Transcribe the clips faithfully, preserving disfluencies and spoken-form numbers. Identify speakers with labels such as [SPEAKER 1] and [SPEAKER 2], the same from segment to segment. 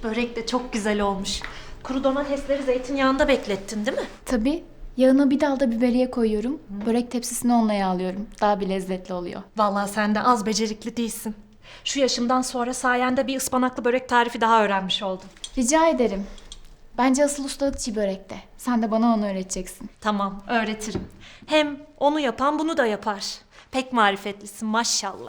[SPEAKER 1] Börek de çok güzel olmuş. Kuru domatesleri zeytinyağında beklettin değil mi?
[SPEAKER 2] Tabii. Yağına bir dalda biberiye koyuyorum. Börek tepsisini onunla yağlıyorum. Daha bir lezzetli oluyor.
[SPEAKER 1] Vallahi sen de az becerikli değilsin. Şu yaşımdan sonra sayende bir ıspanaklı börek tarifi daha öğrenmiş oldum.
[SPEAKER 2] Rica ederim. Bence asıl ustalık çiğ börekte. Sen de bana onu öğreteceksin.
[SPEAKER 1] Tamam, öğretirim. Hem onu yapan bunu da yapar. Pek marifetlisin maşallah.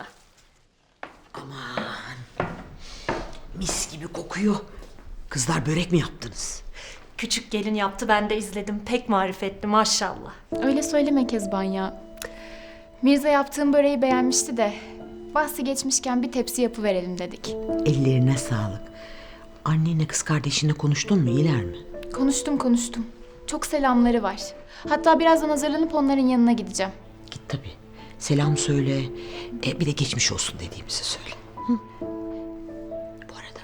[SPEAKER 3] Mis gibi kokuyor. Kızlar börek mi yaptınız?
[SPEAKER 1] Küçük gelin yaptı, ben de izledim. Pek marifetli maşallah.
[SPEAKER 2] Öyle söyleme Kezban ya. Mirza yaptığım böreği beğenmişti de bahsi geçmişken bir tepsi yapıverelim dedik.
[SPEAKER 3] Ellerine sağlık. Annenle kız kardeşinle konuştun mu? İyiler mi?
[SPEAKER 2] Konuştum konuştum. Çok selamları var. Hatta birazdan hazırlanıp onların yanına gideceğim.
[SPEAKER 3] Git tabii. Selam söyle. E, bir de geçmiş olsun dediğimizi söyle. Hı? Bu arada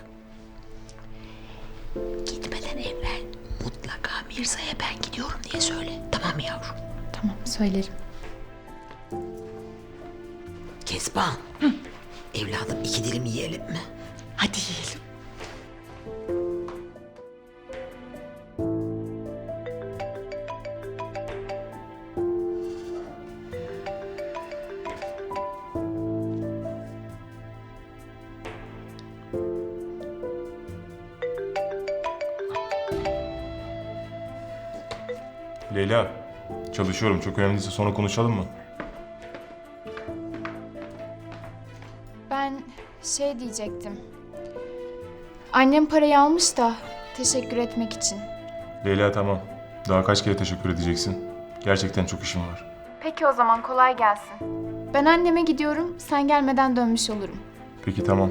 [SPEAKER 3] gitmeden evvel mutlaka Mirza'ya ben gidiyorum diye söyle. Tamam mı yavrum?
[SPEAKER 2] Tamam söylerim.
[SPEAKER 3] Kezban. Evladım iki dilim yiyelim mi? Hadi yiyelim.
[SPEAKER 4] Leyla, çalışıyorum. Çok önemliyse sonra konuşalım mı?
[SPEAKER 2] Ben şey diyecektim. Annem parayı almış da teşekkür etmek için.
[SPEAKER 4] Leyla tamam. Daha kaç kere teşekkür edeceksin? Gerçekten çok işim var.
[SPEAKER 2] Peki o zaman kolay gelsin. Ben anneme gidiyorum, sen gelmeden dönmüş olurum.
[SPEAKER 4] Peki tamam.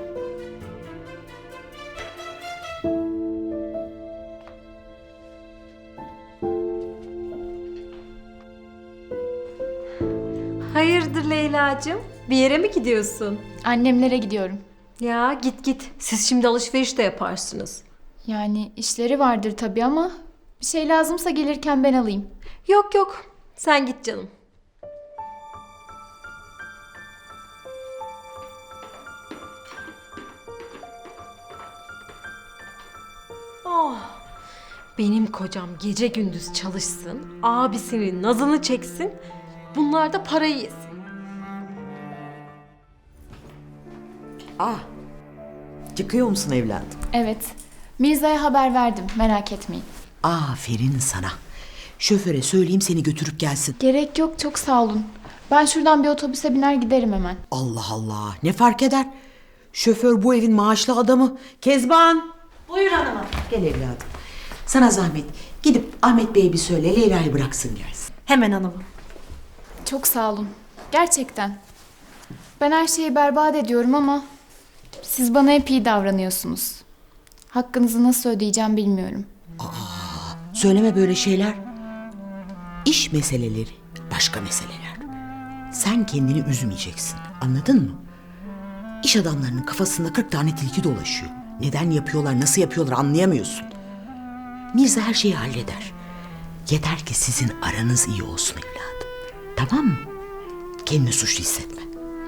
[SPEAKER 5] Hayırdır Leyla'cığım? Bir yere mi gidiyorsun?
[SPEAKER 2] Annemlere gidiyorum.
[SPEAKER 5] Ya git git. Siz şimdi alışveriş de yaparsınız.
[SPEAKER 2] Yani işleri vardır tabii ama bir şey lazımsa gelirken ben alayım.
[SPEAKER 5] Yok yok. Sen git canım. Oh. Benim kocam gece gündüz çalışsın, abisinin nazını çeksin, bunlar da parayı yesin.
[SPEAKER 3] Ah. Çıkıyor musun evladım?
[SPEAKER 2] Evet. Mirza'ya haber verdim, merak etmeyin.
[SPEAKER 3] Aferin sana. Şoföre söyleyeyim seni götürüp gelsin.
[SPEAKER 2] Gerek yok, çok sağ olun. Ben şuradan bir otobüse biner giderim hemen.
[SPEAKER 3] Allah Allah. Ne fark eder? Şoför bu evin maaşlı adamı. Kezban.
[SPEAKER 1] Buyur hanımım.
[SPEAKER 3] Gel evladım. Sana zahmet. Gidip Ahmet Bey'e bir söyle Leyla'yı bıraksın gelsin.
[SPEAKER 1] Hemen hanımım.
[SPEAKER 2] Çok sağ olun. Gerçekten. Ben her şeyi berbat ediyorum ama siz bana hep iyi davranıyorsunuz. Hakkınızı nasıl ödeyeceğim bilmiyorum.
[SPEAKER 3] Söyleme böyle şeyler. İş meseleleri başka meseleler. Sen kendini üzmeyeceksin. Anladın mı? İş adamlarının kafasında kırk tane tilki dolaşıyor. Neden yapıyorlar, nasıl yapıyorlar anlayamıyorsun. Mirza her şeyi halleder. Yeter ki sizin aranız iyi olsun evladım. Tamam mı? Kendini suçlu hissetme.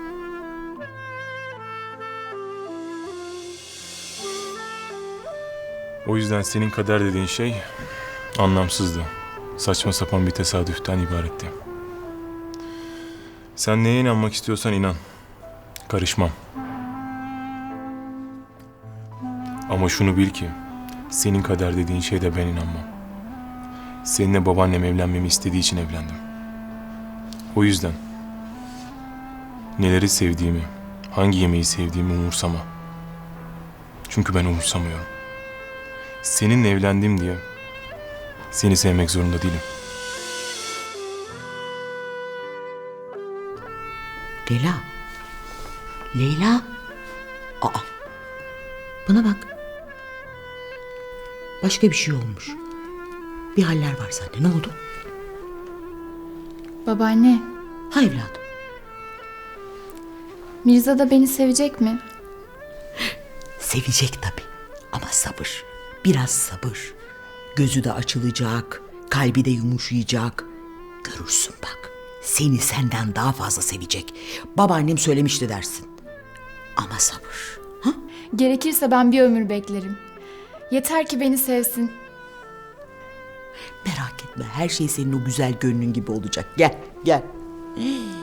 [SPEAKER 4] O yüzden senin kader dediğin şey anlamsızdı. Saçma sapan bir tesadüften ibaretti. Sen neye inanmak istiyorsan inan. Karışmam. Ama şunu bil ki senin kader dediğin şeyde ben inanmam. Seninle babaannem evlenmemi istediği için evlendim. O yüzden neleri sevdiğimi, hangi yemeği sevdiğimi umursama. Çünkü ben umursamıyorum. Seninle evlendim diye seni sevmek zorunda değilim.
[SPEAKER 3] Leyla. Leyla. Aa. Bana bak. Başka bir şey olmuş. Bir haller var sende. Ne oldu?
[SPEAKER 2] Babaanne,
[SPEAKER 3] Ha evladım.
[SPEAKER 2] Mirza da beni sevecek mi?
[SPEAKER 3] Sevecek tabii. Ama sabır. Biraz sabır. Gözü de açılacak. Kalbi de yumuşayacak. Görürsün bak. Seni senden daha fazla sevecek. Babaannem söylemişti dersin. Ama sabır. Ha?
[SPEAKER 2] Gerekirse ben bir ömür beklerim. Yeter ki beni sevsin.
[SPEAKER 3] Merak etme, her şey senin o güzel gönlün gibi olacak. Gel, gel.